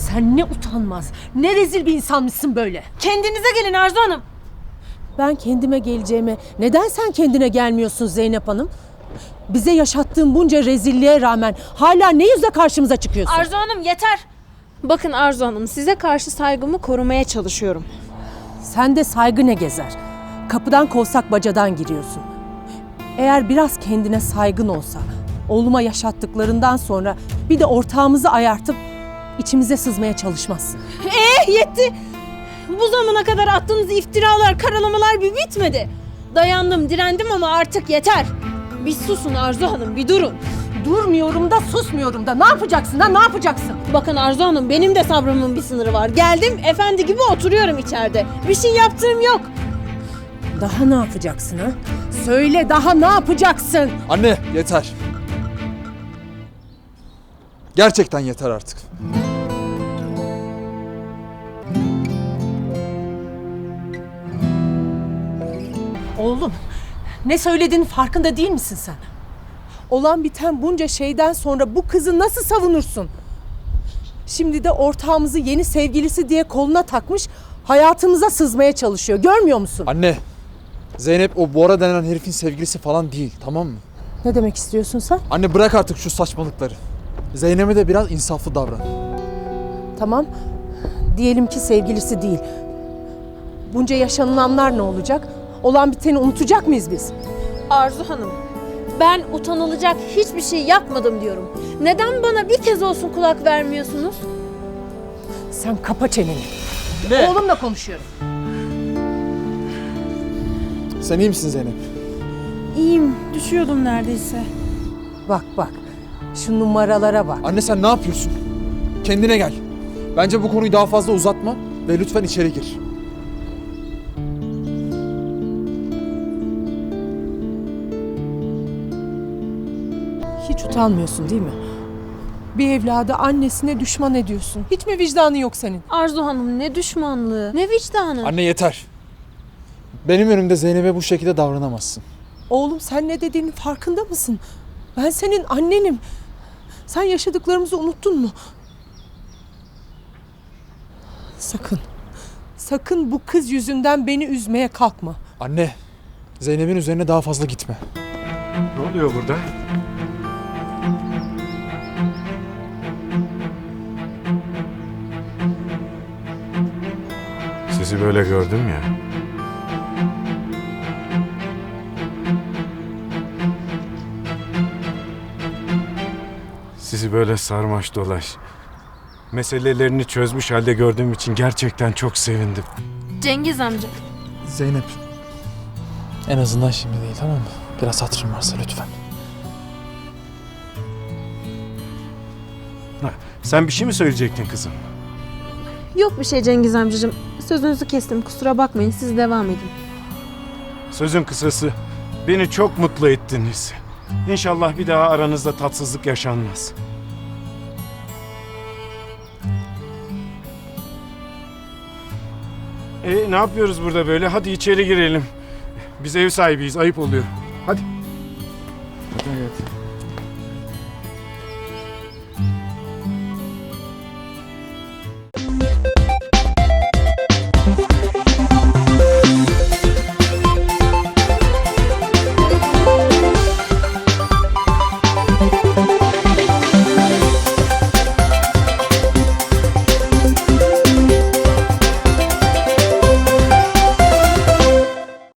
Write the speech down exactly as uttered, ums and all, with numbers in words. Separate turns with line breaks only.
Sen ne utanmaz, ne rezil bir insanmışsın böyle.
Kendinize gelin Arzu Hanım.
Ben kendime geleceğime neden sen kendine gelmiyorsun Zeynep Hanım? Bize yaşattığın bunca rezilliğe rağmen hala ne yüzle karşımıza çıkıyorsun?
Arzu Hanım yeter.
Bakın Arzu Hanım, size karşı saygımı korumaya çalışıyorum.
Sen de saygı ne gezer? Kapıdan kovsak bacadan giriyorsun. Eğer biraz kendine saygın olsa, oğluma yaşattıklarından sonra bir de ortağımızı ayartıp içimize sızmaya çalışmazsın.
Eh yetti! Bu zamana kadar attığınız iftiralar, karalamalar bir bitmedi. Dayandım, direndim ama artık yeter. Bir susun Arzu Hanım, bir durun.
Durmuyorum da susmuyorum da ne yapacaksın da ne yapacaksın?
Bakın Arzu Hanım, benim de sabrımın bir sınırı var. Geldim, efendi gibi oturuyorum içeride. Bir şey yaptığım yok.
Daha ne yapacaksın ha? Söyle, daha ne yapacaksın?
Anne yeter. Gerçekten yeter artık.
Oğlum, ne söylediğinin farkında değil misin sen? Olan biten bunca şeyden sonra bu kızı nasıl savunursun? Şimdi de ortağımızı yeni sevgilisi diye koluna takmış, hayatımıza sızmaya çalışıyor. Görmüyor musun?
Anne, Zeynep o Bora denen herifin sevgilisi falan değil, tamam mı?
Ne demek istiyorsun sen?
Anne bırak artık şu saçmalıkları. Zeynep'e de biraz insaflı davran.
Tamam, diyelim ki sevgilisi değil. Bunca yaşanılanlar ne olacak? Olan biteni unutacak mıyız biz?
Arzu Hanım, ben utanılacak hiçbir şey yapmadım diyorum. Neden bana bir kez olsun kulak vermiyorsunuz?
Sen kapa çeneni.
Ne?
Oğlumla konuşuyorum.
Sen iyi misin Zeynep?
İyiyim. Düşüyordum neredeyse.
Bak bak, şu numaralara bak.
Anne sen ne yapıyorsun? Kendine gel. Bence bu konuyu daha fazla uzatma ve lütfen içeri gir.
Hiç utanmıyorsun değil mi? Bir evladı annesine düşman ediyorsun. Hiç mi vicdanı yok senin?
Arzu Hanım, ne düşmanlığı, ne vicdanı.
Anne yeter. Benim önümde Zeynep'e bu şekilde davranamazsın.
Oğlum sen ne dediğinin farkında mısın? Ben senin annenim. Sen yaşadıklarımızı unuttun mu? Sakın, sakın bu kız yüzünden beni üzmeye kalkma.
Anne, Zeynep'in üzerine daha fazla gitme.
Ne oluyor burada? Sizi böyle gördüm ya. Sizi böyle sarmaş dolaş, meselelerini çözmüş halde gördüğüm için gerçekten çok sevindim.
Cengiz amca.
Zeynep. En azından şimdi değil, tamam mı? Biraz hatırın varsa lütfen.
Ha, sen bir şey mi söyleyecektin kızım?
Yok bir şey Cengiz amcacığım. Sözünüzü kestim, kusura bakmayın, siz devam edin.
Sözün kısası, beni çok mutlu ettiniz. İnşallah bir daha aranızda tatsızlık yaşanmaz. E ne yapıyoruz burada böyle? Hadi içeri girelim. Biz ev sahibiyiz, ayıp oluyor. Hadi. Evet.